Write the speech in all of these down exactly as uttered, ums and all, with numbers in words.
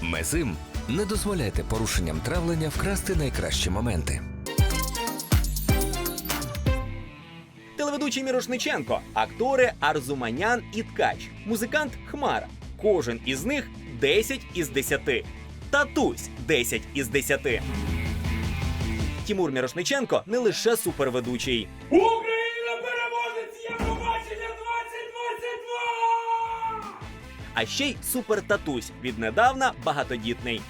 Мезим. Не дозволяйте порушенням травлення вкрасти найкращі моменти. Телеведучий Мірошниченко, актори Арзуманян і Ткач, музикант Хмара. Кожен із них десять із десяти. Татусь десять із десяти. Тімур Мірошниченко не лише суперведучий. Україна переможець Євробачення двадцять двадцять два! А ще й супертатусь, віднедавна багатодітний.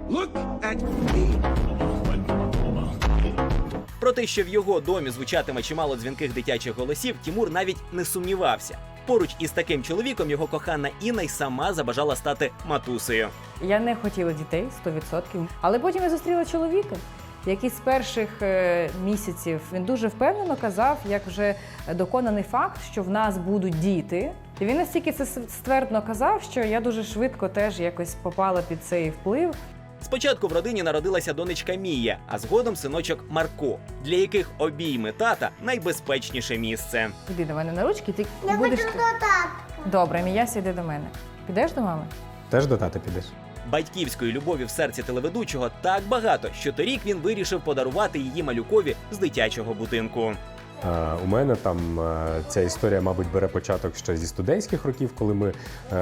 Про те, що в його домі звучатиме чимало дзвінких дитячих голосів, Тімур навіть не сумнівався. Поруч із таким чоловіком його кохана Інна й сама забажала стати матусею. Я не хотіла дітей, сто відсотків. Але потім я зустріла чоловіка, який з перших е, місяців, він дуже впевнено казав, як вже доконаний факт, що в нас будуть діти. І він настільки це ствердно казав, що я дуже швидко теж якось попала під цей вплив. Спочатку в родині народилася донечка Мія, а згодом синочок Марко, для яких обійми тата найбезпечніше місце. Іди до мене на ручки, ти Я будеш... хочу до татка. Добре, Міяся, йди до мене. Підеш до мами? Теж до тата підеш? Батьківської любові в серці телеведучого так багато, що торік він вирішив подарувати її малюкові з дитячого будинку. Е, у мене там е, ця історія, мабуть, бере початок ще зі студентських років, коли ми е,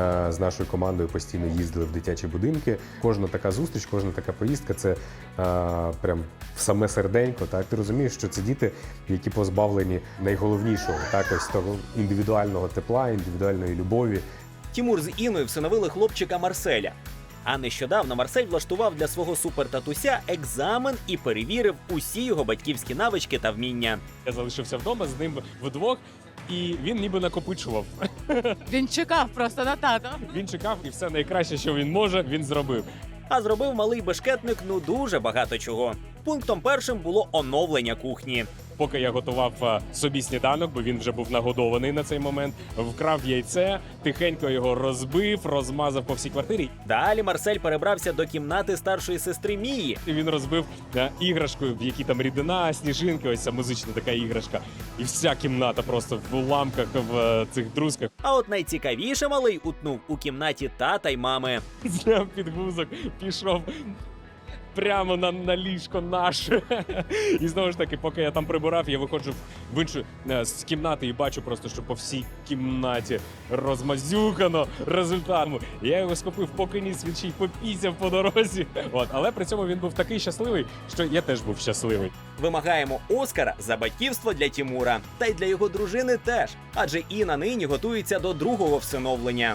з нашою командою постійно їздили в дитячі будинки. Кожна така зустріч, кожна така поїздка – це е, прям в саме серденько. Так? Ти розумієш, що це діти, які позбавлені найголовнішого, так, ось того індивідуального тепла, індивідуальної любові. Тімур з Інною всиновили хлопчика Марселя. А нещодавно Марсель влаштував для свого супертатуся екзамен і перевірив усі його батьківські навички та вміння. Я залишився вдома з ним вдвох, і він ніби накопичував. Він чекав просто на тата. Він чекав, і все найкраще, що він може, він зробив. А зробив малий бешкетник ну дуже багато чого. Пунктом першим було оновлення кухні. Поки я готував а, собі сніданок, бо він вже був нагодований на цей момент, вкрав яйце, тихенько його розбив, розмазав по всій квартирі. Далі Марсель перебрався до кімнати старшої сестри Мії. І він розбив а, іграшку, в якій там рідина, сніжинки, ось ця музична така іграшка. І вся кімната просто в уламках, в а, цих друзках. А от найцікавіше малий утнув у кімнаті тата й мами. Зняв підгузок, пішов прямо на, на ліжко наше. І знову ж таки, поки я там прибирав, я виходжу в іншу е, з кімнати і бачу просто, що по всій кімнаті розмазюкано результатом. Я його схопив, поки ніс, він ще й попісяв по дорозі. От, але при цьому він був такий щасливий, що я теж був щасливий. Вимагаємо Оскара за батьківство для Тімура. Та й для його дружини теж. Адже Інна нині готується до другого всиновлення.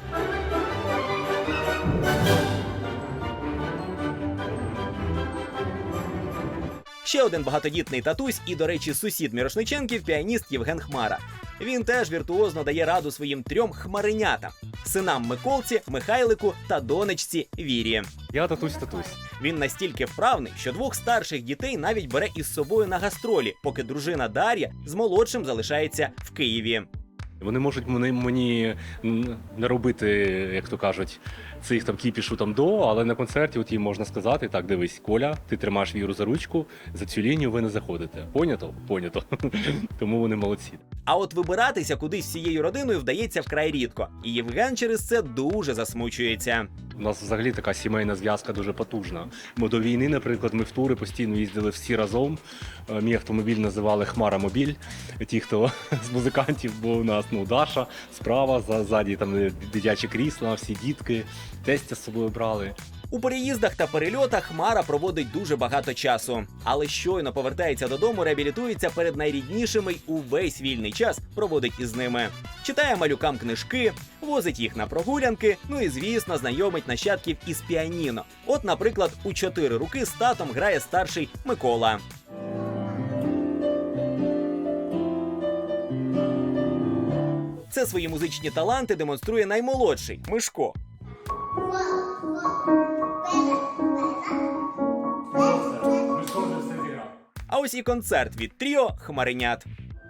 Ще один багатодітний татусь і, до речі, сусід Мірошниченків – піаніст Євген Хмара. Він теж віртуозно дає раду своїм трьом хмаринятам – синам Миколці, Михайлику та донечці Вірі. Я татусь-татусь. Він настільки вправний, що двох старших дітей навіть бере із собою на гастролі, поки дружина Дар'я з молодшим залишається в Києві. Вони можуть мені, мені не робити, як то кажуть, цих там кіпішу там до, але на концерті от їм можна сказати: так, дивись, Коля, ти тримаєш Віру за ручку, за цю лінію ви не заходите. Понято? Понято. Тому вони молодці. А от вибиратися кудись всією родиною вдається вкрай рідко. І Євген через це дуже засмучується. У нас взагалі така сімейна зв'язка дуже потужна. Ми до війни, наприклад, ми в тури постійно їздили всі разом. Мій автомобіль називали «Хмара-мобіль». Ті, хто з музикантів, бо у нас ну, Даша справа, ззаді там дитячі крісла, всі дітки, тестя з собою брали. У переїздах та перельотах Хмара проводить дуже багато часу. Але щойно повертається додому, реабілітується перед найріднішими й увесь вільний час проводить із ними. Читає малюкам книжки, возить їх на прогулянки, ну і, звісно, знайомить нащадків із піаніно. От, наприклад, у чотири руки з татом грає старший Микола. Це свої музичні таланти демонструє наймолодший – Мишко. А ось і концерт від тріо «Хмаринят».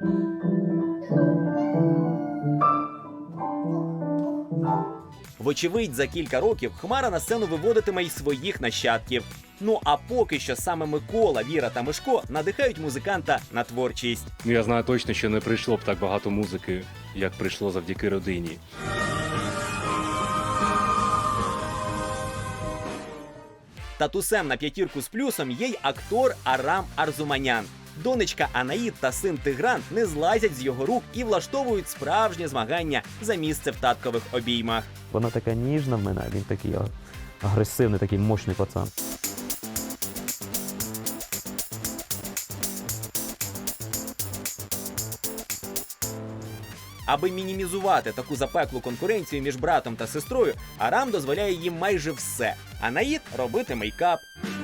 Вочевидь, за кілька років Хмара на сцену виводитиме й своїх нащадків. Ну а поки що саме Микола, Віра та Мишко надихають музиканта на творчість. Ну, я знаю точно, що не прийшло б так багато музики, як прийшло завдяки родині. Татусем на п'ятірку з плюсом є й актор Арам Арзуманян. Донечка Анаїд та син Тигран не злазять з його рук і влаштовують справжнє змагання за місце в таткових обіймах. Вона така ніжна в мене, а він такий а, агресивний, такий мощний пацан. Аби мінімізувати таку запеклу конкуренцію між братом та сестрою, Арам дозволяє їм майже все. Анаїд – робити мейкап.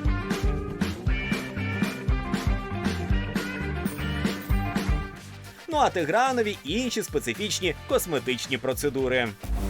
Ну а Тигранові – інші специфічні косметичні процедури.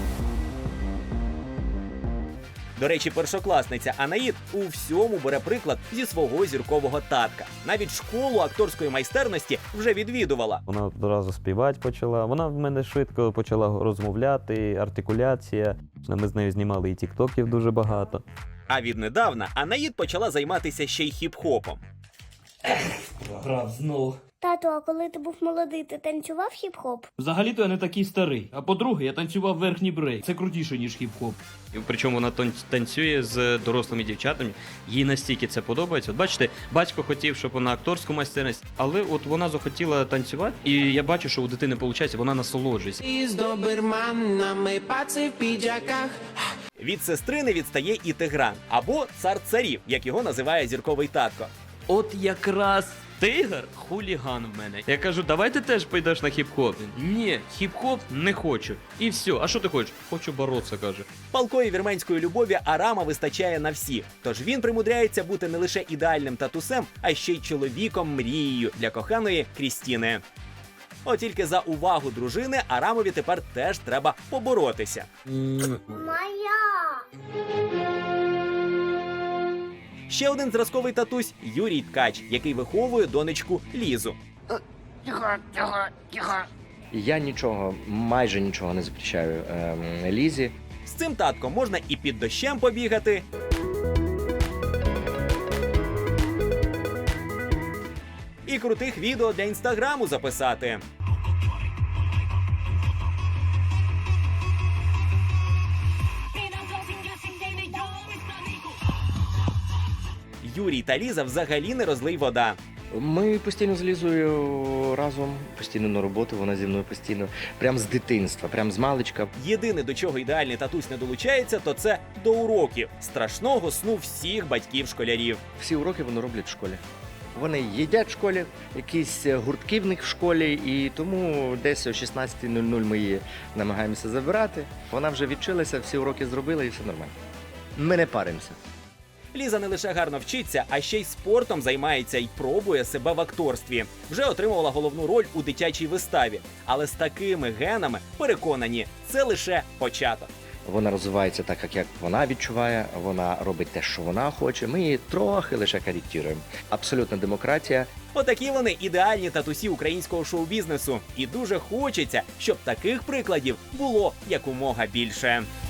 До речі, першокласниця Анаїд у всьому бере приклад зі свого зіркового татка. Навіть школу акторської майстерності вже відвідувала. Вона одразу співати почала. Вона в мене швидко почала розмовляти, артикуляція. Ми з нею знімали і тіктоків дуже багато. А віднедавна Анаїд почала займатися ще й хіп-хопом. Грав знову. Тату, а коли ти був молодий, ти танцював хіп-хоп? Взагалі-то я не такий старий. А по-друге, я танцював верхній брейк. Це крутіше, ніж хіп-хоп. І причому вона тан- танцює з дорослими дівчатами. Їй настільки це подобається. От бачите, батько хотів, щоб вона акторську майстерність, але от вона захотіла танцювати, і я бачу, що у дитини виходить, вона насолоджується. Із доберманами паци в піджаках. Від сестри не відстає і Тигран, або цар царів, як його називає зірковий татко. От якраз тигр хуліган в мене. Я кажу, давай ти теж підеш на хіп-хоп. Ні, хіп-хоп не хочу. І все. А що ти хочеш? Хочу боротися, каже. Палкої вірменської любові Арама вистачає на всіх. Тож він примудряється бути не лише ідеальним татусем, а ще й чоловіком-мрією для коханої Крістіни. От тільки за увагу дружини Арамові тепер теж треба поборотися. Моя! Ще один зразковий татусь – Юрій Ткач, який виховує донечку Лізу. Я нічого, майже нічого не запрещаю ем, Лізі. З цим татком можна і під дощем побігати, і крутих відео для інстаграму записати. Юрій та Ліза взагалі не розлий вода. Ми постійно з Лізою разом, постійно на роботу, вона зі мною постійно, прям з дитинства, прям з маличка. Єдине, до чого ідеальний татусь не долучається, то це до уроків, страшного сну всіх батьків-школярів. Всі уроки вони роблять в школі. Вони їдять в школі, якісь гуртки в них в школі, і тому десь о шістнадцятій нуль нуль ми її намагаємося забирати. Вона вже відчилася, всі уроки зробила і все нормально. Ми не паримося. Ліза не лише гарно вчиться, а ще й спортом займається і пробує себе в акторстві. Вже отримувала головну роль у дитячій виставі. Але з такими генами, переконані, це лише початок. Вона розвивається так, як вона відчуває, вона робить те, що вона хоче. Ми її трохи лише коректуємо. Абсолютна демократія. Отакі вони ідеальні татусі українського шоу-бізнесу. І дуже хочеться, щоб таких прикладів було якомога більше.